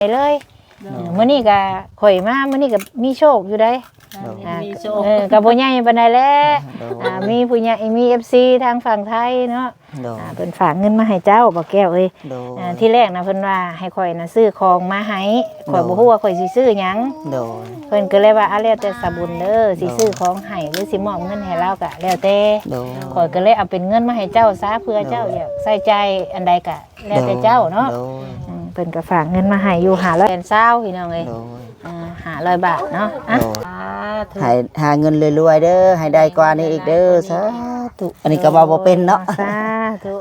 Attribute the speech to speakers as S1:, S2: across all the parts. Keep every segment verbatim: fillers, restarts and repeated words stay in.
S1: เลยมื้อนี้ก็ข่อยมามื้อนี้ก็มีโชคอยู่ได้มีโชคเออก็บ่ใหญ่ปานใดแหละอ่ามีผู้ใหญ่มี เอฟ ซี ทางฝั่งไทยเนาะอ่าเพิ่นฝากเงินมาให้เจ้าบ่แก้วเอ้ยอ่าที่แรกนะเพิ่นว่าให้ข่อยน่ะซื้อของมาให้ข่อยบ่ฮู้ว่าข่อยสิซื้อหยังเพิ่นก็เลยว่าอะแล้วแต่สะบุญเด้อสิซื้อของให้หรือสิมอบเงินให้เราก็แล้วแต่ข่อยก็เลยเอาเป็นเงินมาให้เจ้าซะเพื่อเจ้าอยากใส่ใจอันใดก็แล้วแต่เจ้าเนาะเพิ่นก็ฝากเงินมาให้อยู่ห้าร้อยเศร้าพี่น้องเอ้ยอ่าห้าร้อยบาทเนาะอ่ะ
S2: ให้หาเงินรวยๆเด้อให้ได้กว่านี้อีกเด้อสาธุอันนี้ก็ว่าบ่เป็นเนาะ
S1: สาธุ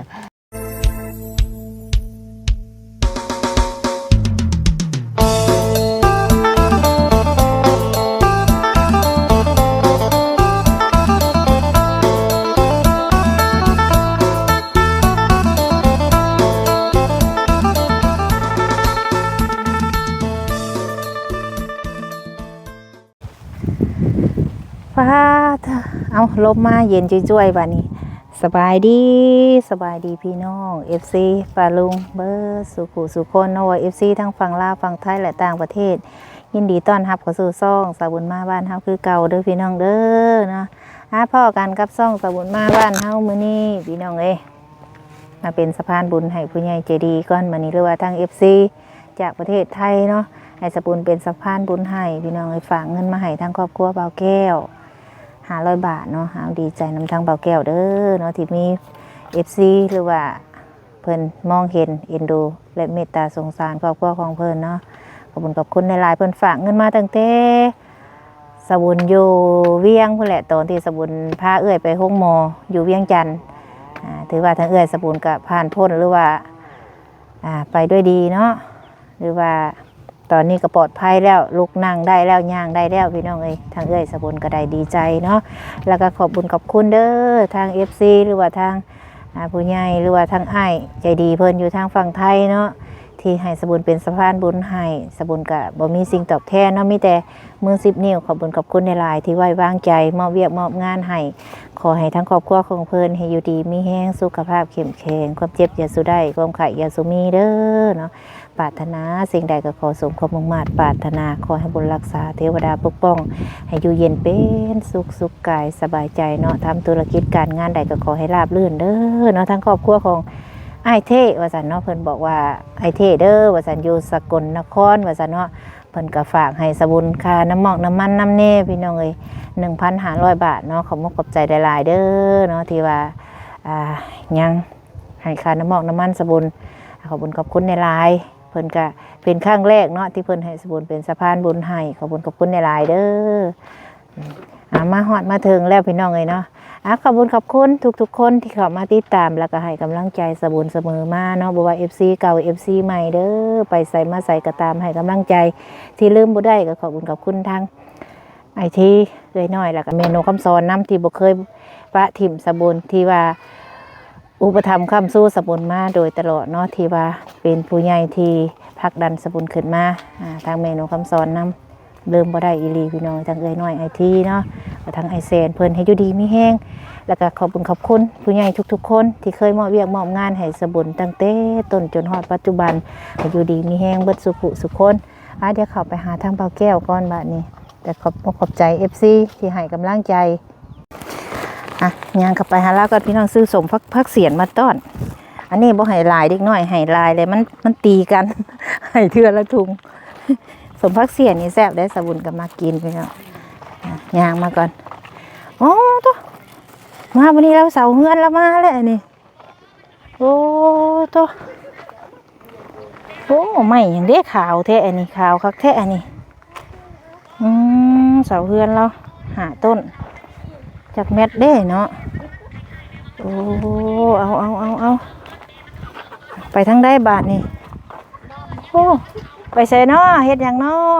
S1: ฟ้าเอาลมมาเย็นจ้วยๆบัดนี้สบายดีสบายดีพี่น้อง เอฟ ซี ปาลุงเบอร์สุขุสุคนเนาะ เอฟ ซี ทั้งฝั่งลาวฝั่งไทยและต่างประเทศยินดีต้อนรับเข้าสู่ซ่องสาบุญมาบ้านเฮาคือเก่าเด้อพี่น้องเด้อเนาะหาพ่อกันกับซ่องสาบุญมาบ้านเฮามื้อนี้พี่น้องเอ้ยมาเป็นสะพานบุญให้ผู้ใหญ่ใจดีก่อนมื้อนี้หรือว่าทาง เอฟ ซี จากประเทศไทยเนาะให้สาบุญเป็นสะพานบุญให้พี่น้องเอ้ยฝากเงินมาให้ทางครอบครัวเบาแก้วห้าร้อยบาทเนาะหาดีใจนำทางเบาแก้วเด้อเนาะที่มี เอฟ ซี หรือว่าเพิ่นมองเห็นเอ็นดูและเมตตาสงสารครอบครัวของเพิ่นเนาะขอบคุณขอบคุณในหลายเพิ่นฝากเงินมาตั้งแต่สบุญอยู่เวียงพุ่นแหละตอนที่สบุญพาเอื้อยไปห้องหมออยู่เวียงจันทน์อ่าถือว่าทางเอื้อยสบุญก็ผ่านพ้นหรือว่าอ่าไปด้วยดีเนาะหรือว่าตอนนี้ก็ปลอดภัยแล้วลุกนั่งได้แล้วย่างได้แล้วพี่น้องเอ้ยทางเอ้ยสบุญก็ได้ดีใจเนาะแล้วก็ขอบบุญขอบคุณเด้อทาง เอฟ ซี หรือว่าทางผู้ใหญ่หรือว่าทางอ้ายใจดีเพิ่นอยู่ทางฝั่งไทยเนาะที่ให้สบุญเป็นสะพานบุญให้สบุญก็บ่มีสิ่งตอบแทนเนาะมีแต่มือสิบนิ้วขอบบุญขอบคุณในหลายที่ไว้วางใจมอบเวียกมอบงานให้ขอให้ทั้งครอบครัวของเพิ่นให้อยู่ดีมีแรงสุขภาพเข้มแข็งความเจ็บอย่าสู้ได้ความไข้อย่าสู้มีเด้อเนาะปรารถนาสิ่งใดก็ขอสมความมุ่งมั่นปรารถนาขอให้บุญรักษาเทวดาปกป้องให้อยู่เย็นเป็นสุขสุขกายสบายใจเนาะทำธุรกิจการงานใดก็ขอให้ราบรื่นเด้อเนาะทั้งครอบครัวของไอเท่ว่าสันเนาะเพิ่นบอกว่าไอเท่เด้อว่าสันอยู่สกลนครว่าสันเนาะเพิ่นก็ฝากให้สบุญค่าน้ำหมอกน้ำมันน้ำเน่พี่น้องเอ้ยหนึ่งพันห้าร้อยบาทเนาะขอบมุกขอบใจหลายๆเด้อเนาะที่ว่าอ่ายังให้ค่าน้ำหมอกน้ำมันสบุญขอบคุญขอบคุณในหลายเพิ่นก็เป็นครั้งแรกเนาะที่เพิ่นให้สบุญเป็นสะพานบุญให้ขอบคุญขอบคุณในหลายเด้ออ่ามาฮอดมาถึงแล้วพี่น้องเอ้ยเนาะอ่ะขอบคุญขอบคุณทุกๆคนที่เข้ามาติดตามแล้วก็ให้กำลังใจสบุญเสมอมาเนาะบ่ว่า เอฟ ซี เก่า เอฟ ซี ใหม่เด้อไปใส่มาใส่ก็ตามให้กำลังใจที่ลืมบ่ได้ก็ขอบคุญขอบคุณทางไอทีเอ้ยน้อยแล้วก็เมนูคำสอนนำที่บ่เคยปะถิ่มสบุญที่ว่าอุปถัมภ์คำสู้สบุญมาโดยตลอดเนาะที่ว่าเป็นผู้ใหญ่ที่ผลักดันสบุญขึ้นมาทางเมนูคำสอนนำเริ่มบ่ได้อีหลีพี่น้องทางเอ้ยน้อยไอทีเนาะทางไอเซนเพิ่นให้อยู่ดีมีแห้งแล้วก็ขอบคุณขอบคุณผู้ใหญ่ทุกๆคนที่เคยมอบเวียกมอบงานให้สบุญตั้งแต่ต้นจนฮอดปัจจุบันให้อยู่ดีมีแห้งเบิดสุขสุขคนอ่ะเดี๋ยวเข้าไปหาทางเบาแก้วก่อนบัดนี้แต่ขอบขอบใจ เอฟ ซี ที่ให้กำลังใจอ่ะย่างเข้าไปหาแล้วก็พี่น้องซื้อสมพักพักเสียนมาต้อนอันนี้บ่ให้ลายเด็กน้อยให้ลายเลยมันมันตีกันให้เทื่อละถุงสมพักเสียนนี่แซ่บได้สบุญก็มากินไปแล้วย่างมาก่อนโอ้ตัวมาวันนี้เราเสาเฮือนแล้วมาแล้วนี่โอ้ตัวโอ้ไม่อย่างเด็กขาวแท้อันนี้ขาวคักแท้อันนี้อืมเสาเฮือนเราหาต้นจากเม็ดเด้เนาะโอ้เอาเอาเอาเอาไปทางได้บาทนี่โอ้ไปใส่เนาะเฮ็ดหยังเนาะ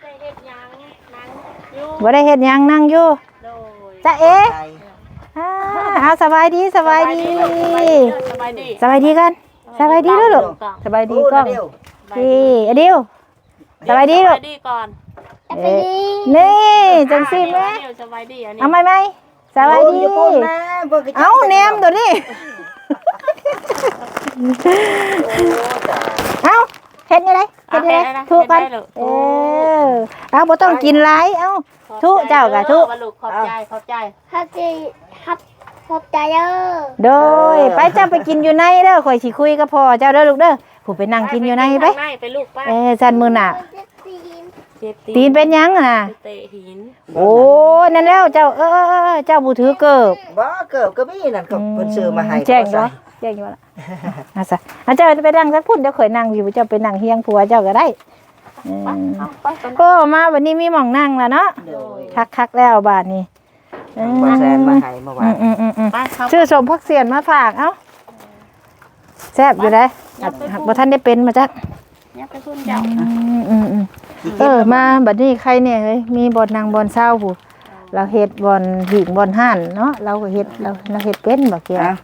S1: บ่ได้เฮ็ดหยังนั่งอยู่จ้าเอ๊ะเอาสบายดีสบายดีสบายดีสบายดีกันสบายดีลูกสบายดีก่อนดีอดิวสบายดีลูก
S3: ก่อน
S1: นี่จังสิแม่เอาไหมไหมสบายดีเอาแนมตัวนี้เอาเฮ็ดยังไงเฮ็ดยังไงทุกกันเออเอาบ่ต้องกินหลายเอ้าทุเจ้ากะทุ
S3: ลูกขอบใจขอบใจ
S4: ขอบใจครับขอบใจเด้อ
S1: โดยไปเจ้าไปกินอยู่ในเด้อข่อยสิคุยกับพ่อเจ้าเด้อลูกเด้อผู้ไปนั่งกินอยู่ในไป
S3: ไปลูกไป
S1: เอ้ซั่นมื้อน่ะ
S4: ตีน
S3: เจ็บ
S1: ตีนเป็นหยังน่ะ
S3: เตะหิน
S1: โอ้นั่นแล้วเจ้าเออเออเออเจ้าบ่ถือเกิบ
S2: บ่เกิบก็มีนั่นก็เพิ่นซื้อมาให้
S1: แจ้งบ่แจ้งอยู่ล่ะอ่ะซะอ่ะเจ้าไปนั่งสักพุ่นเดี๋ยวข่อยนั่งอยู่เจ้าไปนั่งเฮียงผัวเจ้าก็ได้อืม
S3: ไปกัน
S1: ก็มาวันนี้มีหม่องนั่งแล้วเนาะคักๆแล้วบาดนี้เออ
S2: บ่แซนมาให้เมื่อวาน
S1: อืมอืมอืม
S3: ไปเขา
S1: ชื่อสมพักเสียนมาฝากเอ้าแซ่บอยู่เลยหักหักบ่ทันได้เป็นมาจัก
S3: เนี่ยไปพุ่นเจ้า
S1: อืมอืมอืมเออมาบัดนี้ใครเนี่ยเฮ้ยมีบ่อนนางบ่อนเศร้าผู้เราเฮ็ดบ่อนหิงบ่อนห่านเนาะเราก็เฮ็ดเราเราเฮ็ดเป็นบ่เกี่ยว
S2: อ่ะ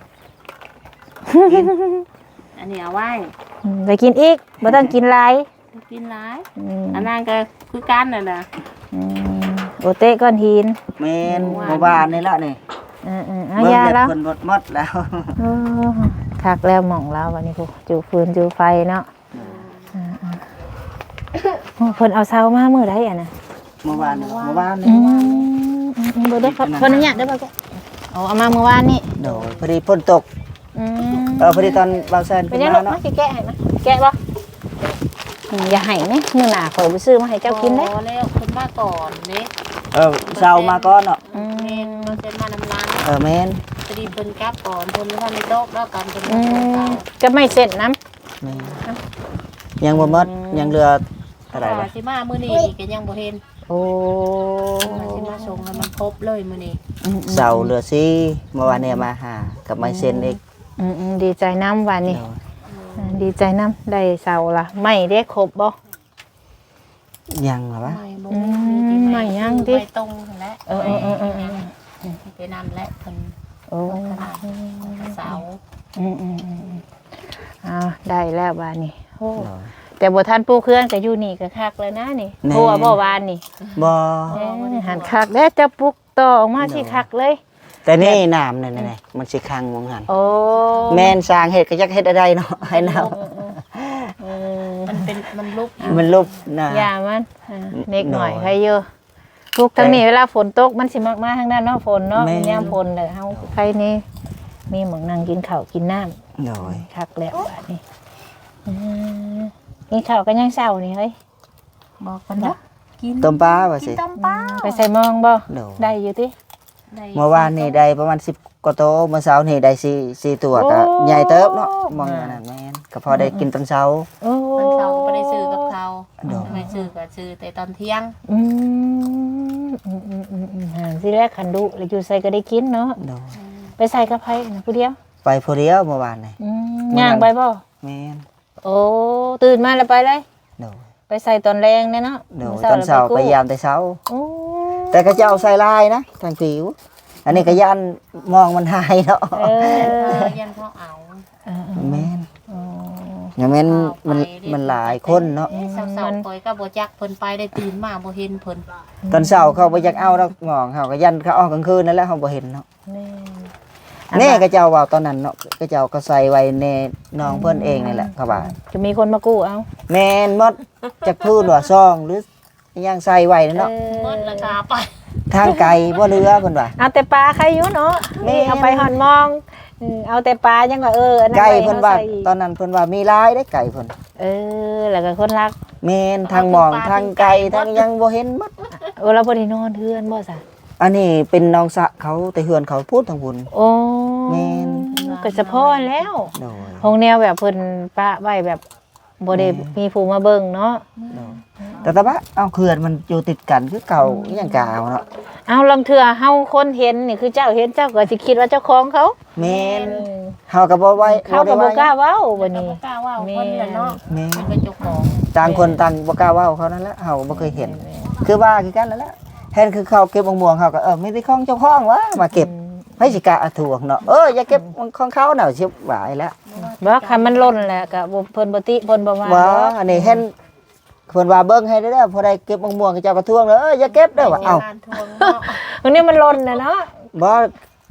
S3: อันนี้เอาไว้
S1: อืมไปกินอีกบ่ต้องกินหลาย
S3: กินหลาย
S1: อืม
S3: อันนั้นก็คือกันน่ะนะ
S1: อืมโอเตะก้อนหิน
S2: แม่นเมื่อวานนี่ละนี่
S1: เออๆเอา
S2: เบิ่ง
S1: ยา
S2: เด็ด
S1: แล้ว
S2: เพิ่นหมดหมดแล้ว
S1: โอ้คักแล้วหม่องเราวันนี้ผู้จูฟืนจูไฟเนาะอ่าๆโอ้เพิ่นเอาเสามามื้อใดอ่ะนะ
S2: เมื่อวานนี่เมื่อวาน
S1: อื
S2: นี่
S1: มอืมเบ่ได้ครับคนนี้ได้บ่แกเอาเอามาเมื่อวานนี่
S2: โดยพอดีฝนตก
S1: อืม
S2: เออพอดีตอนบางแซน
S1: เป็
S2: ขึ้
S1: น
S2: น
S1: ยังลู
S2: มาก เนาะ
S1: มาสิแกะให้นะแกะบ่อืมอย่าให้นะมื้อหน้าข่อยไปซื้อมาให้เจ้ากินเด้
S3: พอแล้วคุณมาก่อนเด้
S2: เออเช้ามาก่อนเนาะ
S1: อื
S3: เมน
S1: ม
S3: เราเซ็นมานำร้าน
S2: เออแม่น
S3: พอดีเพิ่นกลับก่อนเพิ่นว่าในโต๊ะแล้วกันเพิ่น
S1: อื
S3: มาส่ง
S1: ม
S3: เขา
S1: ก็ไม่เสร็จน้ำ
S2: แม่นยังบ่หมดยังเหลือเท่าไหร่
S3: ว่า
S2: บ่
S3: สิมามื้อนี้อีกก็ยังบ่เห็น
S1: โอ้
S3: ว่าสิมาส่งให้มันครบเลยมื้อนี้
S2: เสาเหลือสี่เมื่อวานเนี่ยมาหากับไม้เซ็นอีก
S1: อืมอืมดีใจน้ำวันนี้
S2: โดย
S1: อ่าดีใจน้ำได้เสาละไม่ได้ครบบ่
S2: ยังเหรอวะ
S3: ไม่บ่
S1: อืม
S3: มีที่
S1: ไม่ยังดิ
S3: ไม่ตรงนั่นแหละ
S1: เออเออเออเออเออ
S3: ไปนำและเพิ่น
S1: โอ้
S3: ขนาดเสา
S1: อืมอืมอืมอืมอ่าได้แล้วบานนี้โอ้
S2: โดย
S1: แต่บ่ทันปูเครื่องก็อยู่นี่ก็คักเลยนะนี่
S2: แน่
S1: เพราะว่าบ่วานนี่
S2: บ่
S1: เอ้ยหันคักแล้วจะปลุกต่อออกมาที่คักเลย
S2: แต่นี่น้ำนี่นี่มันสิคังมองหัน
S1: โอ้
S2: แม่นสร้างเฮ็ดก็จักเฮ็ดอะไรเนาะให้น้
S1: เออ
S3: มันเป็นมันลุก
S2: ำมันลุบนะ
S1: อย่ามันอ่าเล็กหน่อย
S2: หน่อย
S1: ใครเยอะปลุกทางนี้เวลาฝนตกมันสิมากมาทางด้านเนาะฝนเนาะ
S2: แม่น
S1: ยามฝนเลยเฮาใครนี่มีหมองนั่งกินข้าวกินน้ำ
S2: โดย
S1: คักแล้วบาดนี้อืมกินข้าวกันยังเช้านี่เฮ้ย
S3: บอกกันเนาะกิน
S2: ต้มปลาว่าสิ
S3: ต้มปลา
S1: ไปใส่หมองบ่
S2: โดย
S1: ได้อยู่ติ
S2: เมื่อวานนี่ได้ประมาณสิบกว่าโตวเมื่อเช้านี่ได้สี่สี่ตัวก็
S1: โอ้
S2: ใหญ่เติบเนาะมองอย่างนั้นแม่นก็พอได้กินตอนเช้า
S1: โอ้
S3: ตอนเช้าก็ไม่ได้ซื้อกับเขา
S2: โดน
S3: ไม่ได้ซื้อก็ซื้อแต่ตอนเที่ยง
S1: อืมอืมอืมอืมอืมหาสิแรกขันดุแล้วอยู่ใส่ก็ได้กินเนาะ
S2: โดย
S1: ไปใส่กับไผนะผู้เดียว
S2: ไปผู้เดียวเมื่อวานนี่
S1: อืมย่างไปบ่
S2: แม่น
S1: โอ้ตื่นมาแล้วไปเลย
S2: โดย
S1: ไปใส่ตอนแรงเนี่ยเนาะ
S2: โดย
S1: มื้
S2: ตอนเช้า
S1: แล้ว
S2: ไป
S1: กู้
S2: ยามแต่เช้า
S1: โอ้
S2: แต่ก็จะเอาใส่ลายนะทางผิว อันนี้ก็ยันมองมันหายเนาะ
S1: เอ
S3: เอ
S1: อ
S3: อยันพ่อเอา
S1: เออ
S2: แม่น
S1: เออ
S2: อย่างแม่นมันมันหลายคนเนาะ
S3: เอ้ยสาวๆคอยก็บ่จักเพิ่นไปได้ตื่นมาบ่เห็นเพิ่น
S2: ตอนเช้าเขาบ่อยากเอาดอกหมองเขาก็ยันเขาออกกลางคืนนั่นแหละเขาบ่เห็นเนาะ
S1: แน่
S2: แน่ก็เจ้าว่าตอนนั้นเนาะก็เจ้าก็ใส่ไว้ในน้องเพิ่นเองนี่แหละเขาว่า
S1: จะมีคนมากู้เอา
S2: แม่นหมดจักพื้นว่าซองหรือยังใส่ไว้นั่นเนาะ
S3: เพิ่นราคาไป
S2: ทางไกลบ่เรือเพิ่นว่า
S1: เอาแต่ปลาใครอยู่เนาะ
S2: แม่
S1: นี่เอาไปหอนมองอืมเอาแต่ปลายังว่าเอออันนั้น
S2: ไก่
S1: ว้
S2: เพิ่นว่า
S1: อใส่
S2: ตอนนั้นเพิ่นว่ามีหลายได้ไก่เพิ่น
S1: เออแล้วก็คนรัก
S2: แม่นทางหมองทางไก่ทางยังบ่เห็นหมด
S1: เออเราบ่ได้นอนเทือนบ่ซะ
S2: อันนี้เป็นน้องสะเขาแต่เฮือนเขาพูดทางบุญ
S1: โอ้
S2: แม่น
S1: ก็เฉพาะแล้ว
S2: โดย
S1: ห้องแนวแบบเพิ่นปะไว้แบบบ่ได้มีผู้มาเบิ่งเนาะ
S2: โดยแต่ตะบะเอาเขื่อนมันอยู่ติดกันคือเก่าอหย่างกาวเนาะ
S1: เอาลองเถื่อเฮาคนเห็นนี่คือเจ้าเห็นเจ้าก็สิคิดว่าเจ้าของเขา
S2: แม่นเฮาก็บ่ไว้
S1: เขาก็บ่กล้าเว้าบัดนี้
S3: บ่กล้าว่าเพิ่นน่ะเนาะ
S2: แม่
S3: เพิ่นเป็นเจ้าของ
S2: ต่างคนต่างบ่กล้าเว้าเขานั่นแหละเฮาบ่เคยเห็น คือว่าคือกันนั่นแหละเห็นคือเขาเก็บมะม่วงเขาก็เออไม่ได้ของเจ้าของวะมาเก็บให้สิกะอาถ่วงเนาะเอออย่าเก็บของเขาเนาะสิหวายแล้ว
S1: บ่คันมันล้นแหละก็บ่เพิ่นบ่ติเพิ่นบ่ว่า
S2: ว่าอันนี้เห็นเพิ่นว่าเบิ่งให้เด้อพอได้เก็บมะม่วงกับเจ้าก็ทวงเด้อเอออย่าเก็บเด้อว่าเอ้า
S3: งานทวงเนาะ
S1: อันนี้มันล้นน่ะเนาะ
S2: บ่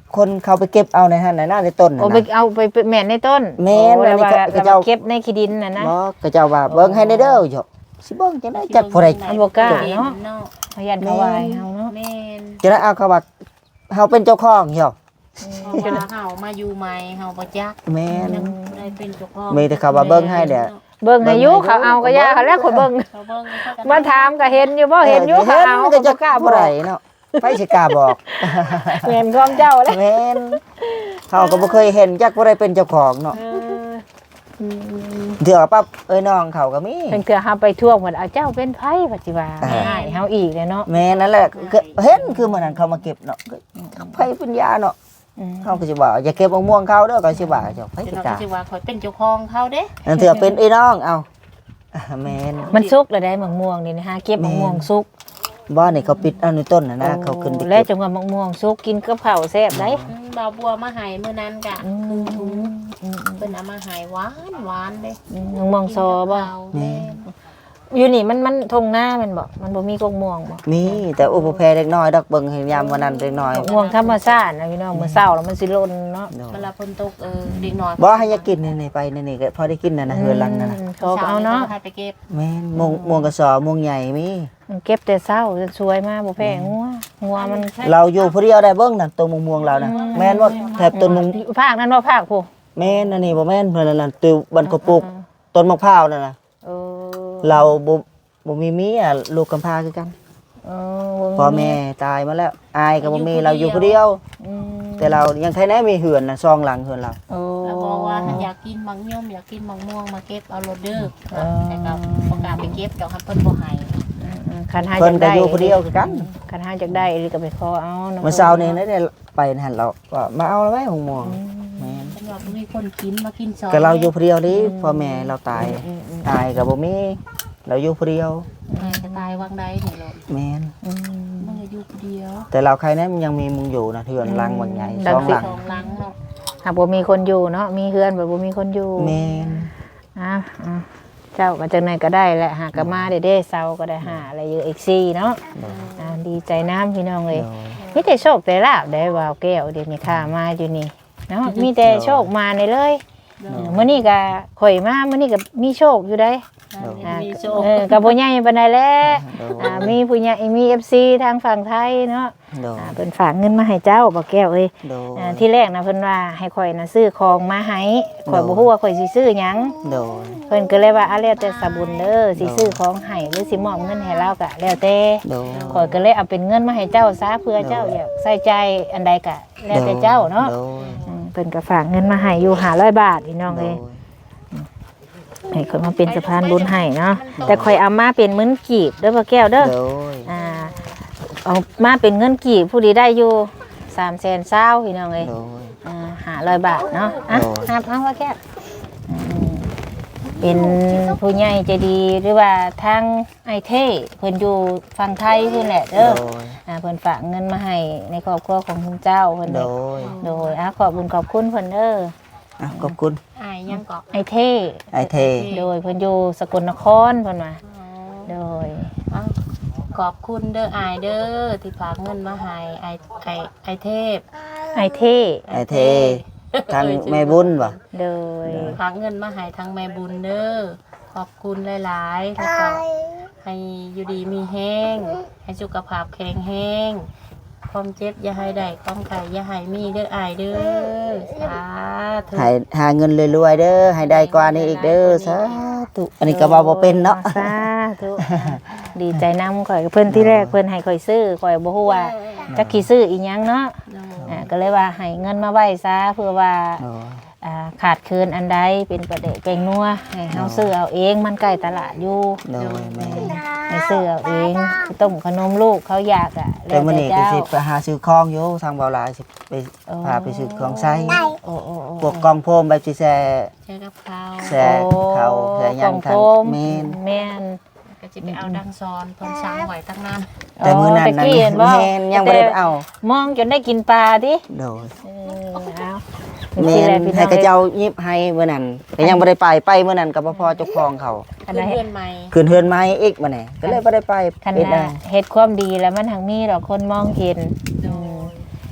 S2: คนเขาไปเก็บเอาในหั่นในหน้าในต้นน่ะ
S1: โอ้ไป
S2: นะ
S1: เอาไปแม่นในต้น
S2: แม่น
S1: โอ้แล้วว่า
S2: อันนี้ก็
S1: แล้ว
S2: เจ้า
S1: ว่าเก็บในขี้ดินน่ะนะ
S2: บ่ก็เจ้าว่าเบิ่งให้ได้เด้อหยอกสิเบิ่งจังได๋จักผู้ใด
S1: อันบ่กล้าเนาะ
S3: เนาะ
S1: พยันเขาวายเฮาเนาะ
S3: แม่น
S2: จะได้เอาเขาว่าเฮาเป็นเจ้าของหยอก
S3: เพราะว่าเฮามาอยู่ใหม่เฮาบ่จัก
S2: แม่น
S3: ยังได้เป็นเจ้าของ
S2: มีแต่เขาว่าเบิ่งให้เด้อ
S1: เบิ่งให้อยู่เขาเอาก็ยาเขาแล้วคนเบิ่ง
S3: เขาเบิ่งเขาก็
S1: มาถามก็เห็นอยู่บ่เห็นอยู่เขาเอา
S2: เห็นก็จะ
S1: บ่กล้า
S2: บ่ได้เนาะไผสิกล้าบอก
S1: แม่นของเจ้าแล้ว
S2: แม่นเขาก็บ่เคยเห็นจักบ่ได้เป็นเจ้าของเนาะ
S1: เอออืม
S2: เถื่อปั๊บเอ้ยน้องเขาก็มี
S1: เพิ่นเกือเฮาไปท่วงเหมือนเอาเจ้าเป็นไผปัจจุบัน
S2: อ่า
S1: ให้เฮาอีกเลยเนาะ
S2: แม่นั่นแหละก็เห็นคือมื้อนั้นเขามาเก็บเนาะก็ไผปัญญาเนาะ
S1: อืม
S2: เขาก็สิว่าอย่าเก็บมะม่วงเขาเด้อก็สิว่าเจ้าไผ
S3: เดี๋
S2: สิ
S3: ยวเรา
S2: กล้า
S3: ก็สิว่าข่อยเป็นเจ้าของเขาเด้
S2: นั่นเถื่อเป็นไอ้น้องเอาอ่าแม่น
S1: มันสุกแล้วได้มะม่วงนี่นะฮะเก็บมะม่วงสุก
S2: บ้านนี่เขาปิดเอาในต้นน่ะนะเขาขึ้นไป
S1: และ
S2: เก็บ
S1: จังหวะมะม่วงสุกกินกับข้าวแซ่บได้
S3: อืมบ่าวบัวมาให้มื้อนั้นกะ
S1: อืม
S3: ครึ่งถุง
S1: อืม
S3: เพิ่นเอามาให้หวานหวานเด้
S1: อืมมะม่วงซอบ่
S3: แม่น
S1: อยู่นี่มันมันทงหน้าแมันบ่มันบ่มีกงม่วงบ่
S2: มีแต่อุปแพรเล็กน้อยดอกเบิ่งให้ยามวันนั้นเล็กน้อย
S1: มะม่วงธรรมชาตินะพี่น้องมื้อเช้าแล้วมันสิหล่นเนาะ
S3: เวลาฝนตกเออเด็กน้อย
S2: บ่ให้อยากินนี่ๆไปนี่ๆก็พอได้กินน่ะนะเฮือนหลังนั่นน่ะ
S1: มเขาก็เอาเนาะ
S3: ให้ไปเก็บ
S2: แม่นม่วงม่วงกระสอบม่วงใหญ่มี
S1: มันเก็บแต่เช้าจะสวยมากบ่แพงงัวงัวมัน
S2: เราอยู่ผู้เดียวได้เบิ่งน่ะต้นม่วงม่วงเราน่ะแม่นบ่แถบต้นม่วง
S1: ภาคนั้นบ่ภาคผู้
S2: แม่นอันนี้บ่แม่นเพิ่นนั่นน่ะติวบันกระปุกต้นมะพร้าวนั่นน่ะ
S1: เออ
S2: เราบ่บ่มีเมียลูกกำพร้าคือกัน
S1: เออ
S2: พ่อแม่ตายมาแล้วอายก็บ่มีเราอยู่ผู้เดียว
S1: อืม
S2: แต่เรายังใครแน่มีเหือนน่ะซองหลังเหือนเรา
S1: โอ้
S3: แล้วบอกว่าอยากกินมังยมอยากกินมังม่วงมาเก็บเอาโลดเด้อแต่ก็บ่กล้าไปเก็บดอกครับเพิ่นบ่ให้
S1: อืมคันหา
S2: เพิ่
S1: จั
S2: น
S1: ก
S2: ก็
S1: ได้
S2: อยู่ผู้เดียวคือกัน
S1: คันหาจักได้หรือก็ไปขอเอาะ
S2: เมื่อเช้านี้ได้ไปนั่นเราว่ามาเอาแล้วไหมหงม่วงแม่น
S3: เพิ่นว่าบ่มีคนกินมากินซอย
S2: ก็เราอยู่ผู้เดียวนี่พ่อแม่เราตายตายก็บ่มีเราอยู่ผู้เดียว
S3: แม่จะตายวังใดนี่โลด
S2: แม่น
S1: อืม
S3: มึงจะอยู่ผู้เดียว
S2: แต่เราใครแน่มันยังมีมึงอยู่นะเถือนหลังบางใหญ่
S1: ดั
S2: ซ
S1: ง
S2: อง
S1: สิ
S2: หลัง
S3: สองหลังเนาะ
S1: หากบ่มีคนอยู่เนาะมีเฮือนบ่บ่มีคนอยู่
S2: แม่น
S1: อ่ะอ่ะเจ้าก็จังไหนก็ได้แหละหากก็มาเด้เด้เซาก็ได้หาอะไรอยู่อีกซี่เนาะอ่าดีใจน้ำพี่น้องเลยมีแต่โชคแต่ลาบได้วาวแก้วเดี๋ยวนี้ข้ามาอยู่นี่เนาะมีแต่โชคมาในเลยเออมื้อนี้ก็ข่อยมามื้อนี้ก็มีโชคอยู่ได้อ่า
S3: มีโช
S1: เออก็บ่ใหญ่ปานใดแหละ
S2: โด
S1: อ่ามีผู้ใหญ่มี เอฟ ซี ทางฝั่งไทยเนาะ
S2: โด
S1: อ่าเพิ่นฝากเงินมาให้เจ้าบ่แก้วเอ้ย
S2: โด
S1: อ่าที่แรกนะเพิ่นว่าให้ข่อยน่ะซื้อของมาให้ข่อยบ่ฮู้ว่าข่อยสิซื้อหยัง
S2: โด
S1: เพิ่นก็เลยว่าอะแล้วแต่สะบุญเด้อสิซื้อของให้หรือสิมอบเงินให้เราก็แล้วแต่
S2: โด
S1: ข่อยก็เลยเอาเป็นเงินมาให้เจ้าซะเพื่อเจ้าอยากใส่ใจอันใดก็แล้วแต่เจ้าเนาะ
S2: โด
S1: อืมเพิ่นก็ฝากเงินมาให้อยู่ห้าร้อยบาทพี่น้อง
S2: โด
S1: เอ้ยให้ข่อยมาเป็นสะพานบุญให้เนาะแต่ข่อยเอามาเป็นมื้นกีบเด้อพ่อแก้วเด้อ
S2: โด
S1: อ่าเอามาเป็นเงินกีบผู้ดีได้อยู่สามแสนเศร้าพี่น้องเอ้ย
S2: โด
S1: อ่าหาร้อยบาทเนาะอ่ะ
S2: โอ้ย
S1: หับเอาว่าแค่อืมเป็นผู้ใหญ่ใจดีหรือว่าทางไอเท่เพิ่นอยู่ฝั่งไทยเพิ่นแหละ
S2: โด
S1: เด้ออ่าเพิ่นฝากเงินมาให้ในครอบครัวของคุณเจ้าเพิ่น
S2: โด
S1: เด้อโดยอ่ะขอบคุญขอบคุณเพิ่นเด้อ
S2: อ่ะขอบคุณ
S3: อายยังเกาะ
S1: ไอเท่
S2: ไอเท
S1: โดยเพิ่นอยู่สกลนครเพิ่นว่าโดย
S3: อ้าวขอบคุณเด้ออายเด้อที่ฝากเงินมาให้ไอไอไอเทพ
S1: ไอเท่
S2: ไอเททางแม่บุญบ่
S1: โดย
S3: ฝากเงินมาให้ทางแม่บุญเด้อขอบคุณหลายๆแล้วก็ให้อยู่ดีมีแห้งให้สุขภาพแข็งแรงความเจ็บอย่าให้ได้ความไข่อย่าให้มีเด้ออายเด้อสาธุ
S2: ให้หาเงินรวยๆเด้อให้ได้กว่านี้อีกเด้อสาธุอันนี้ก็เว้าบ่เป็นเนาะ
S1: สาธุดีใจนำข่อยเพิ่นที่แรกเพิ่นให้ข่อยซื้อข่อยบ่ฮู้ว่าจักสิซื้ออีหยังเนาะอ่าก็เลยว่าให้เงินมาไว้ซะเพื่อว่า
S2: โด
S1: อ่าขาดเคินอันใดเป็นประเดะเป็นนัวให้เฮาซื้อเอาเองมันใกล้ตลาดอยู่
S2: โดยแม่
S1: ให้ซื้อเอาเองต้มขนมลูกเขาอยากอ่ะ
S2: แต่มื้อนี้ก็
S1: เจ้า
S2: สิไปหาซื้อของอยู่ทางเบาหลายสิไป
S1: โอ้
S2: พาไปซื้อของใช้
S1: โอ้โอ้โอ้
S2: พวกกองโฟมแบบสิแซ่
S3: ใช้กับข้าว
S2: แซ่เขาแซ่ยัง
S1: ข
S2: ทา
S1: อง โฟม
S2: แม่น
S1: แม่น
S3: ก็จะไปเอาดังซอนเพิ่นสั่งไว้ตั้งนาน
S2: แต่มื้อนั้น
S1: ตะ
S2: นั้น
S1: กี้เห็นบ่
S2: แม่นยังบ่ได้ไปเอา
S1: มองจนได้กินปลาติ
S2: โดย
S1: เออเอา
S2: แม่นให้กระเจ้ายิบให้มื้อนั้นก็ยังบ่ได้ไปไปมื้อนั้นก็บ่พอเจ้าของเขา
S1: อัน
S3: เพื่
S1: นั้น
S3: อนใหม่
S2: คืนเฮือนไม้อีกมื้อนี้ก็เลยบ่ได้ไป
S1: คัน
S2: เฮ็ดได้
S1: น่ะเฮ็ดความดีแล้วมันหังมีดอกคนมองเห็นอืม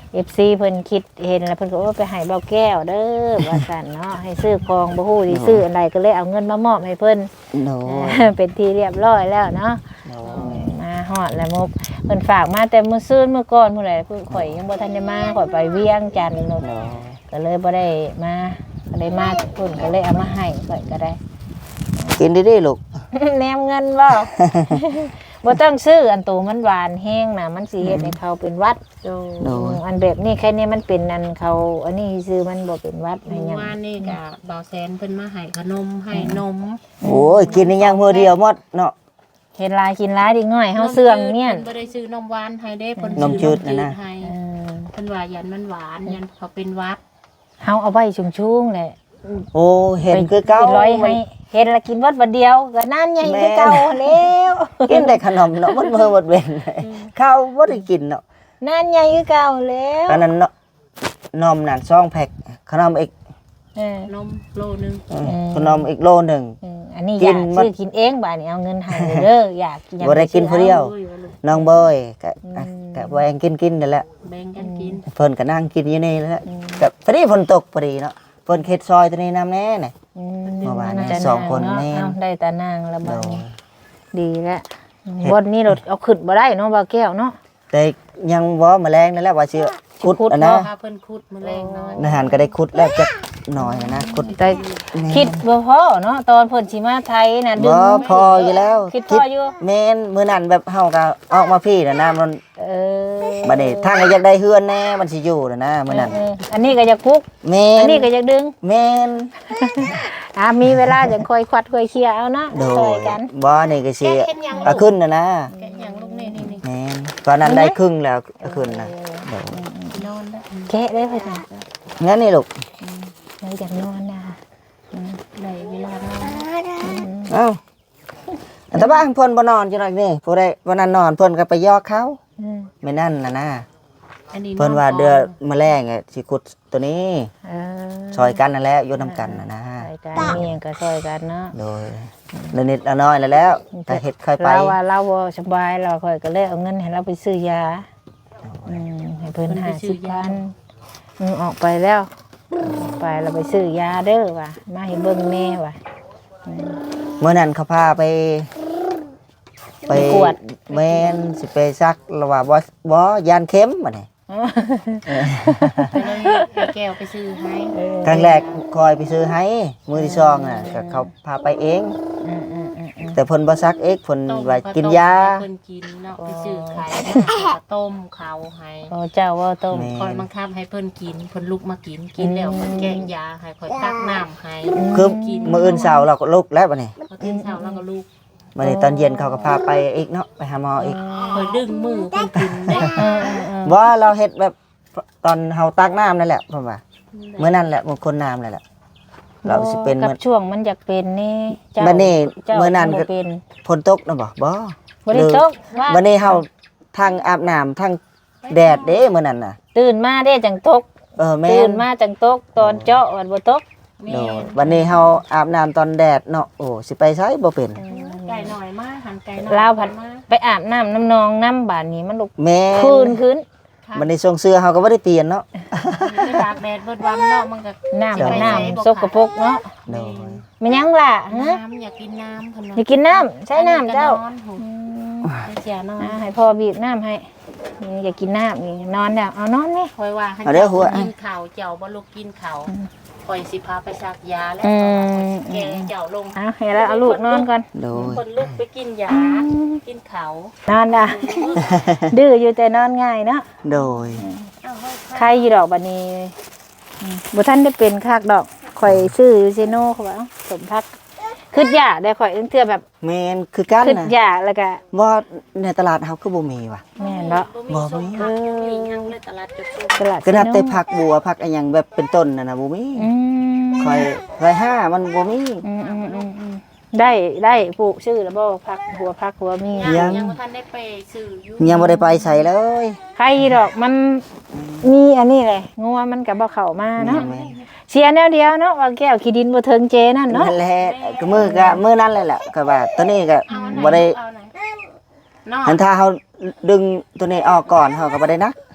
S1: เอฟซีเพิ่นคิดเห็นแล้วเพิ่นก็ว่าไปให้เบาแก้วเด้อว่าซั่นเนาะให้ซื้อของบ่ฮู้สิซื้ออันใดก็เลยเอาเงินมามอบให้เพิ่น
S2: โดย
S1: เป็นที่เรียบร้อยแล้วเนาะ
S2: โดย
S1: มาฮอดแล้วมุกเพิ่นฝากมาแต่มื้อซื่นมื้อก่อนพุ่นแหละเพิ่นข่อยยังบ่ทันได้มาข่อยไปเวียงจันทน์โลด
S2: โดย
S1: ก็เลยบ่ได้มาก็ได้มาเพิ่นก็เลยเอามาให้ข่อยก็ได้
S2: กินดีๆลูก
S1: แนมเงินบ่ บ่ต้องซื้ออันโตมันหวานแห้งน่ะมันสิเฮ็ดให้เขาเป็นหวัด
S3: โดย
S2: โดย
S1: อันแบบนี้แค่นี้มันเป็นอันเขาอันนี้ซื้อมันบ่เป็นหวัดให้หยั
S3: เมื่
S1: ง
S3: อวานนี่ก็บ่าวแสนเพิ่นมาให้ขนมให้นม
S2: โอ้ยกินนี่ยังมื้อเดียวหมดเนาะ
S1: เฮ็ดหลายกินหลายเด็กน้อยเฮาเสื่องเนี่ย
S3: เพิ่นบ่ได้ซื้อนมหวานให้เด้เพิ่น
S2: นมจืดน่ะนะ
S3: ให้
S1: เออ
S3: เพิ่นว่ายันมันหวานยันเขาเป็นหวัด
S1: เฮาเอาไว้ชุ่มๆแหละ
S2: โอ้เห็นคือเก่า
S1: ไปร้อยให้เห็นแล้วกินวัดวันเดียวก็นั่นใหญ่คือเก่าแล้ว
S2: กินแต่ขนมเนาะมันมื้อหมดเว้นข้าวบ่ได้กินเนาะ
S1: นั่นใหญ่คือเก่าแล้ว
S2: อันนั้นเนาะนมนั่นสองแพ็คขนมอีก
S1: เออน
S3: มโลนึง
S2: อืมขนมอีกโลหนึง
S1: เอออันนี้
S2: กิ
S1: อยาน ก
S2: มัน
S1: ซื้อกินเองบ่าดนี้เอาเงินให้เด้ออยากอยาก
S2: บ่ได้กินผู้เดียว
S3: โอ้ว่าลูก
S2: น้องเบยก็อ่ะก็แบ่งกินๆนั่นแหละ
S3: แบ่งกันกิน
S2: เพิ่นก็นั่งกินอยู่นี่แหละก็พอดีฝนตกพอดีเนาะเพิ่นเฮ็ดซอยตัวนี้นำแน่น่ะ
S1: อื
S2: เมื่อวานนี้
S1: จะ
S2: สองคน
S1: เาะ
S2: แม่น
S1: เอาได้แต่นางละ
S2: โด
S1: บัด
S2: ย
S1: นี้ดีแล้วบนนี้เราเอาขึ้นบ่ได้เนาะบ่าวแก้วเนาะ
S2: แต่ยังบ่แมลงนั่นแหละว่าสิขุด
S1: ขุด
S2: อันนะ
S3: พาเพิ่นคุดมื้อแรงน้อย
S2: อาหารก็ได้ขุดแล้วจักหน่อยนะขุด
S1: แต่คิดบ่พอเนาะตอนเพิ่นสิมาไทยน่ะดึ
S2: บ่
S1: ง
S2: พออยู่แล้ว
S1: คิดพออยู่
S2: แม่นมื้อนั้นแบบเฮาก็ออกมาพี่น่ะนะมัน
S1: เออ
S2: บัดนี้ทางก็อยากได้เฮือนแน่มันสิอยู่น่ะนะมื้อนั้น
S1: เอออันนี้ก็อยากพุก
S2: แม่
S1: อัน
S2: น
S1: นี้ก็อยากดึง
S2: แม่น
S1: อ่ามีเวลาจังค่อยควัดค่อยเคลียร์เอาเนาะ
S2: โด
S1: ช่วย
S2: ย
S1: กัน
S2: บ่นี่ก็สิ
S3: แกะเห็นยัง
S2: เอาขึ้นน่ะนะ
S3: แกะหยังลูกนี่นี่นี่
S2: แม่นตอนนั้นได้ครึ่งแล้วเอาขึ้นน่ะโดย
S3: นอนแล้ว
S1: แกะได้เพิ่นน่ะ
S2: งั้นนี่ลูก
S1: เราอยากนอนนะ
S3: ได้เวลานอน
S2: เอ้าแต่บ้านเพิ่นบ่นอนจังได๋นี่ผู้ใดวันนั้นนอนเพิ่นก็ไปยอกเขา
S1: อืม
S2: ไม่นั่นน่ะนะ
S3: อันนี้
S2: เพิ่นว่าเดือแมลงอะสิขุดตัวนี้
S1: เออ
S2: ซอยกันนั่นแหละอยู่นํกันน่ะนะ
S1: ช่วยกันมีหยังก็ช่วยกันเนาะ
S2: โดยละนิดละน้อยแล้วแล้วถ้าเฮ็ดค่อยไป
S1: เราว่าเราบ่สบายเราค่อยก็เลยเอาเงินให้เราไปซื้อยาอืมให้เพิ่นห้าสิบพันอืมออกไปแล้วออกไปเราไปซื้อยาเด้อว่ะมาให้เบิ่งแม่ว่ะ
S2: เมื่อนั้นเขาพาไป ไป
S1: กวด
S2: แม่นสิไปซักแล้วว่าบ่บ่ยานเข็มบัดนี้
S3: ไปเลยให้แก้วไปซื้อให้
S2: ครั้งแรกคอยไปซื้อให้มื้อที่สองน่ะก็เขาพาไปเอง
S1: อืมอืมอืมอืม
S2: แต่เพิ่นบ่ซักเองเพิ่น
S3: ต้ม
S2: ว่า
S3: ข้ว
S2: กิน
S3: ต้ม
S2: ยา
S3: ให้เพิ่นกินเนาะไปซื้อไข่มาต้มเขาให้
S1: โอ้เจ้าว่าต้ม
S2: แม่
S3: คอยบังคับให้เพิ่นกินเพิ่นลุกมากินกินแล้วเพิ่นแกงยาให้คอยตักน้ำให้
S2: คือ
S3: กิน
S2: มื้ออื่นเช้าเราก็ลุกแล้วบัดนี้
S3: พอตื่นเช้าแล้วก็ลุก
S2: บัดนี้ตอนเย็นเขาก็พาไปอีกเนาะไปหาหมออีก
S3: คอยดึงมือเพิ่นกินได้
S1: เออเออเออ
S2: ว่าเราเฮ็ดแบบตอนเฮาตักน้ำนั่นแหละผมว่าเมื่อนั้นแหละมันคนน้ำนั่นแหละ เราสิเป็น
S1: กั
S2: เหมื
S1: บ
S2: อน
S1: ช่วงมันอยากเป็นนี่เจ้า
S2: บัดนี้
S1: จ้า
S2: เมื่อนั้นก็
S1: บ่เป็น
S2: ฝนตกนะบ่บ่
S1: บ่ได้ตกว่า
S2: บัดนี้เฮาทั้งอาบน้ำทั้งแดดเด้มื้อนั้นน่ะ
S1: ตื่นมาได้จังตก
S2: เออแม่
S1: ตื่น
S2: น
S1: มาจังตกตอนเจาะวันบ่ตก
S3: แม่
S2: โดยบัดนี้เฮาอาบน้ำตอนแดดเนาะโอ้สิไปไสบ่เป็น
S3: ไก่หน่อยมาหันไก่หน่อย
S1: ลาวผัด
S3: มา
S1: ไปอาบน้ำน้ำนองน้ำบาดนี้มันลุก
S2: แม่
S1: คืนคืน
S2: บัดนี้ทรงเสื้อเฮาก็บ่ได้เปลี่ยนเนาะ
S3: ไปตากแดดเบิดวันเนาะมันก็
S1: น้ำกับ
S3: ไป
S1: น้
S3: ใส่
S1: ำสกปรกเนาะ
S2: โดย
S1: มันยังล่ะฮะ
S3: น้ำอยากกินน้ำเพิ่นว่า
S1: อยากกินน้ำใช้น้ำเจ้า
S3: อันนี้ก็นอนหูไปเสียนอน
S1: อ่าให้พ่อบีบน้ำให้นี่อยากกินน้ำนี่นอนแล้วเอานอนนี่
S3: คอยว่าให้
S2: เอาเด้อหัว
S3: กินข้าวเจ้าบ่ลูกกินข้าวคอยสิพาไปซักยาแล้ว
S1: อืม
S3: แกเจ้าลง
S1: เอาให้แล้วเอาลูกนอนก่อน
S2: โดย
S3: คนลุกไปกินยากินข้าวน
S1: อนด่ะ ดื้ออยู่แต่นอนง่ายเนาะ
S2: โดย
S3: เอาเฮ้ย
S1: ใครอยู่ดอกบัดนี้อืมบ่ทันได้เป็นคากดอกข่อยซื้ออยู่ซิโน่เขาว่าเอ้าสมพักคืดยาได้ข่อยเทื่อแบบ
S2: แม่นคือกัน
S1: คืด
S2: น่ะ
S1: ยาแล้วก็
S2: ว่าในตลาดเฮาคือบ่มีว่ะ
S1: แม่นเนาะ
S3: บ่มีส้มผักมีหยังเลยตลาดจุดซุป
S1: ตลาด
S2: ก็นับแต่
S1: ซิโ
S2: ผักบัวผักอะหยังแบบเป็นต้นน่ะนะบ่มี
S1: อืม
S2: คอยคอยห้ามันบ่มี
S1: อืมอืมอืมอืมได้ได้ปลูกชื่อแล้วบ่พักหัวพักหัวมี
S2: ยัง
S3: ยังบ่ทันได้ไปซื้ออยู่
S2: ยังบ่ได้ไปใส่เลย
S1: ใครดอกมันมีอันนี้เลยงัวมันก็บ่เข้ามาเนาะ
S2: แม่น
S1: เสียแนวเดียวเนาะว่าแก้วขี้ดินบ่เทิงเจนั่นเนาะ
S2: นั่นแหละก็มือก็มือนั้นเลยแหละก็ว่าตัวนี้ก็
S3: เอาอันหน
S2: บ่ได้
S3: เอาอันไหนเนาะ
S2: หันถ้าเฮาดึงตัวนี้ออกก่อนเฮาก็บ่ได้นัก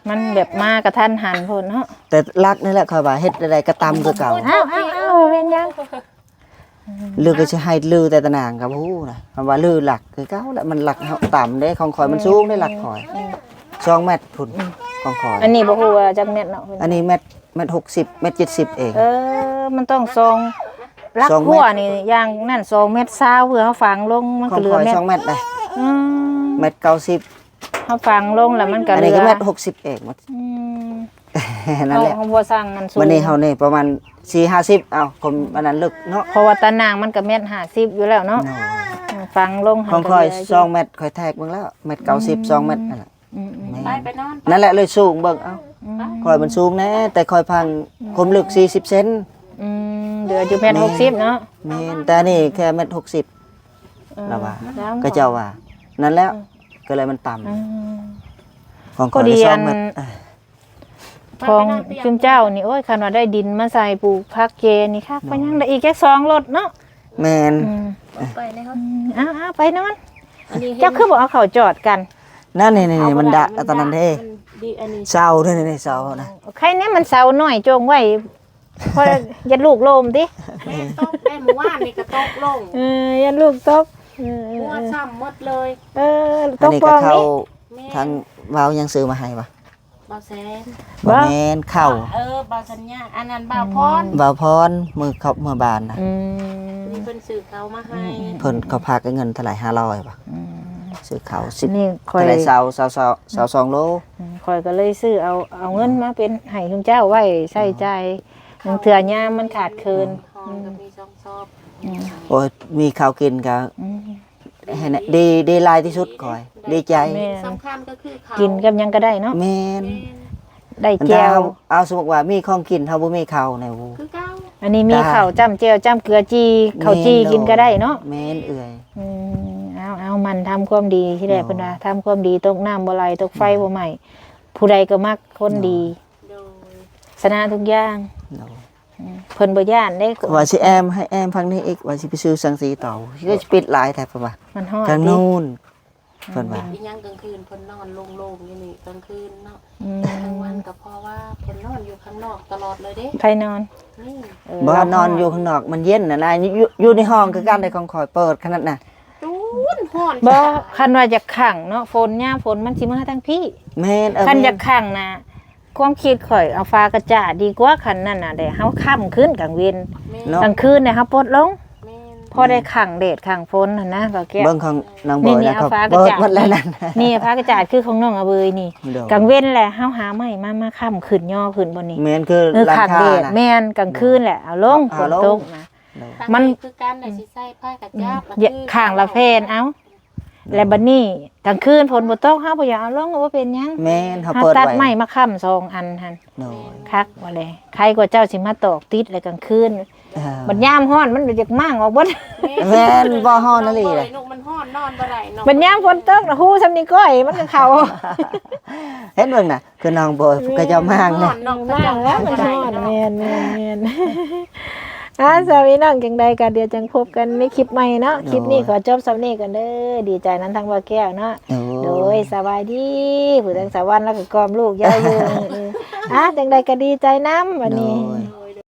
S1: มันแบบมากระทันหันพุ่นเนาะ
S2: แต่รักนี่แหละค่อยว่าเฮ็ดอะไรก็ตำคือเก่า
S1: อ้าวอ้าวอ้าวเป็นยัง
S2: ลือก็สิให้ลือแต่ตะนางกับฮู้นะคำว่าลือหลักคือเก่าแหละมันหลักเฮาต่ำเด้ของข่อยมันสูงได้หลักข่อยสองเมตรพุ่นของข่อย
S1: อันนี้บ่ฮู้ว่าจักเม็ดเนาะ
S2: อันนี้เมตรเมตรหกสิบเมตรเจ็ดสิบเอง
S1: เออมันต้องซองรัก
S2: สองเม็ด
S1: หัวนี่อย่างนั่นสองเม็ดซาวเพื่อเฮาฝังลงมัน
S2: ขอ
S1: ก็
S2: ง
S1: เหลือ
S2: ข่อย
S1: เม็ด
S2: สองเมตรได้
S1: อืม
S2: เมตรเก้าสิบ
S1: เฮาฝังลงแล้วมันก็
S2: อัน
S1: เหลื
S2: นี้
S1: อ
S2: ก็เมตรหกสิบเอง
S1: อืม
S2: นั่นแหละ
S1: เฮาบ่สั่งมันสูง
S2: วันนี้เฮานี่ประมาณสี่ห้าสิบเอ้าผมอันนั้นลึกเนาะ
S1: เพราะว่าตะนางมันก็เม็ดห้าสิบอยู่แล้วเนาะฝังลง
S2: ของข่อย
S1: ก็เหลื
S2: สองเมตรข่อยแทกเบิ่งแล้วเมตรเก้าสิบสองเมตรนั่นแหละ
S1: อืมอืม
S3: ไปไปนอน
S2: นั่นแหละเลยสูงเบิ่งเอ้าข่อยมันสูงแน่แต่ข่อยพังผมลึกสี่สิบเซน
S1: อืมเหลืออยู่เม็ดหกสิบเนาะ
S2: แม่นแต่นี่แค่เมตรหกสิบ
S1: เออ
S2: แล้วว่า
S1: แล้ว
S2: ก็เจ้าว่า นั่นแล้วก็เลยมันต่ำ
S1: อืม
S2: ของ
S1: ก็
S2: ข่อย
S1: ดี
S2: ได้ส
S1: อั
S2: อง
S1: น
S2: เมตรเอ้ย
S1: ของจุมเจ้านี่โอ้ยคันว่าได้ดินมาใส่ปลูกผักเจนี่คักไปยังได้อีกแค่สองรถเนาะ
S2: แม่น
S1: อืม
S3: ไปนะครับ
S1: อ้าวๆไปนอน
S3: อันนี้
S1: เจ้าคือบอกเอาเขาจอดกัน
S2: นั่นนี่นี่นี่มันดะตอนนั้นเด้
S3: ดีอันนี้
S2: เศร้าเด้อนี่เศร้านะ
S1: ใครเนี่ยมันเสาหน่อยจงไว้เพราะยันลูกโลมติ
S3: แม่ตกได้หมู่ว่านนี่ก็ตกลง
S1: เออยันลูกตกเออ
S3: หัวซ้ำหมดเลย
S1: เออต
S2: อัน
S1: ก
S2: นี้
S1: ป
S2: ก็
S1: อง
S2: เข้า
S1: นี่
S3: แม่
S2: ทางวาวยังซื้อมาให้ปะ
S3: บ่แซน
S1: บ่
S2: บ่แม่นเข้า
S3: เออบ่สัญญาอันนั้นบ่าวพร
S2: วาวพรมือเขาเมื่อบานนะ
S1: อืม
S3: นี่เพิ่นซื้อเขามาให้
S2: เพิ่นเขาพากเงินเท่าไหร่ห้าร้อยปะซื้อเขาสิบ
S1: นี่คอย
S2: เท่าไหร่เศร้าเศร้าเศร้าเศร้าสองโล
S1: คอยก็เลยซื้อเอาเอาเงินมาเป็นให้คุณเจ้าไว้ใช้จ่ายหนึ่งเถื่อยามมันขาดเคิน
S3: ห้องก็มีช่องชอบ
S2: โอ้ยมีข้าวกินก็
S1: อืม
S2: ให้นะดีดีหลายที่สุดก่อย ดีใจ
S1: แม่
S3: สำคัญก็คือเขา
S1: กินกับหยังก็ได้เนาะ
S2: แม่น
S1: ได้
S2: อัน
S1: แจ
S2: ถ้าว เอาสมมุติว่ามีของกินเฮาบ่มีข้าวในวู
S3: คือเก้า
S1: อันนี้มี
S2: ได้
S1: ข้าวจ้ำเจียวจ้ำเกลือจีข้าวจีกินก็ได้เนาะ
S2: แม่นเอื่อย
S1: อืมเอาเอามันทำความดีที่แรก
S2: เนาะ
S1: เพิ่นว่าทำความดีตกน้ำบ่ไหลตกไฟบ่ไหม้ผู้ใดก็มักคนดี
S3: โดย
S1: ชนะทุกอย่าง
S2: เนาะ
S1: อืมเพิ่นบ่ย่านได้
S2: ว่าสิแอมให้แอมพังนี้อีกว่าสิไปซื้อสังสีเต่าก็จะปิดหลายแต่เพิ่นว่า
S1: มันฮอด
S2: ทาง
S1: ติ
S2: นู้นเพิ่นว่า
S3: อีหยังกลางคืนเพิ่นนอนโล่งๆอยู่นี่กลางคืนเนาะ
S1: อืม
S3: กลางวันก็เพราะว่าเพิ่นนอนอยู่ข้างนอกตลอดเลยเด้
S1: ใครนอน
S3: นี่
S1: เออ
S2: บ่นอนอยู่ข้างนอกมันเย็นน่ะนะอยู่อยู่ในห้องคือกันได้ของข่อยเปิดขนาดน่ะ
S3: จูนฮ้อน
S1: บ่คันว่าจะขังเนาะฝนยามฝนมันสิมาทางพี่
S2: แม่นเออ
S1: คัน
S2: แม่
S1: จะขังน่ะความคิดข่อยเอาฟ้ากระจาดดีกว่าคันนั่นน่ะได้เฮาค่ำขึ้นกลางเวน
S3: แม่
S2: เนาะ
S1: กลางคืนเนี่ยเฮาปลดลง
S3: แม่น
S1: พอได้ขังเดดขังฝนน่ะนะก็แก้ว
S2: เบิ่งของนางบ
S1: นี่
S2: อย
S1: นี่
S2: นะ
S1: เอา
S2: ครับ
S1: ฟ้ากระ
S2: เปิด
S1: จาด
S2: หมดแล้วนั่น
S1: นี่ฟ้ากระจาดคือของน้องอเบยนี่
S2: เดี๋ยว
S1: กลางเว้นแหละเฮาหาไม้มามาค้ำขึ้นย่อขึ้นบนนี้
S2: แม่นคือ
S1: เออ
S2: ร้าน
S1: ขัก
S2: ค้า
S1: เดด
S2: น่ะ
S1: แม่นกลางคืนแหละเอาลงฝ
S2: เอา
S1: น
S2: ลง
S1: ตกนะ
S2: เดี๋ยว
S3: ทาง
S1: มัน
S3: คือการได้สิใส่ผ้ากระจับแล้ว
S1: อย่าข้างละเพนเอาแล้วบัดนี้กลางคืนฝนบ่ตกเฮาบ่อยากเอาลงว่าเป็นหยัง
S2: แม่นเฮา
S1: เฮา
S2: เปิด
S1: ตัด
S2: ไว้
S1: ไม้มาค้ำสองอันหั่น
S2: โน่
S1: คักว่าเลยใครกว่าเจ้าสิมาตอกติดเลยกลางคืน
S2: เออ
S1: บัดยามฮ้อนมันอยากมั่งออกเบิด
S2: แม่นบ่ฮ้อนนั่นเลย
S3: เลยนกมันฮ้อนนอนบ่ได้นก
S1: บัดยามฝนตกน่ะฮู้ซำนี้ก้อยมันก็เข้า
S2: เห็นเบิ่งน่ะคือน้องบอยก็จะมาง
S3: ฮ้
S2: เนี่
S3: อย นนก
S1: ว่างแล้วมัน
S3: บ่
S1: ท
S3: ได้
S1: อด
S3: เนาะ
S1: แม่นแม่นแม่น อ่าสามีน้องจังใดกันเดี๋ยวจังพบกันในคลิปใหม่เนาะคลิปนี้ขอจบสำนี้กันเด้อดีใจนั้นทั้งว่าแก้วเนาะ
S2: โอ้
S1: โดยสบายดีผู้ทั้งสาวรรค์แล้วก็กอมลูกยาวอยู่เอออ่ะจังใดก็ดีใจน้ำวันนี้
S2: โดย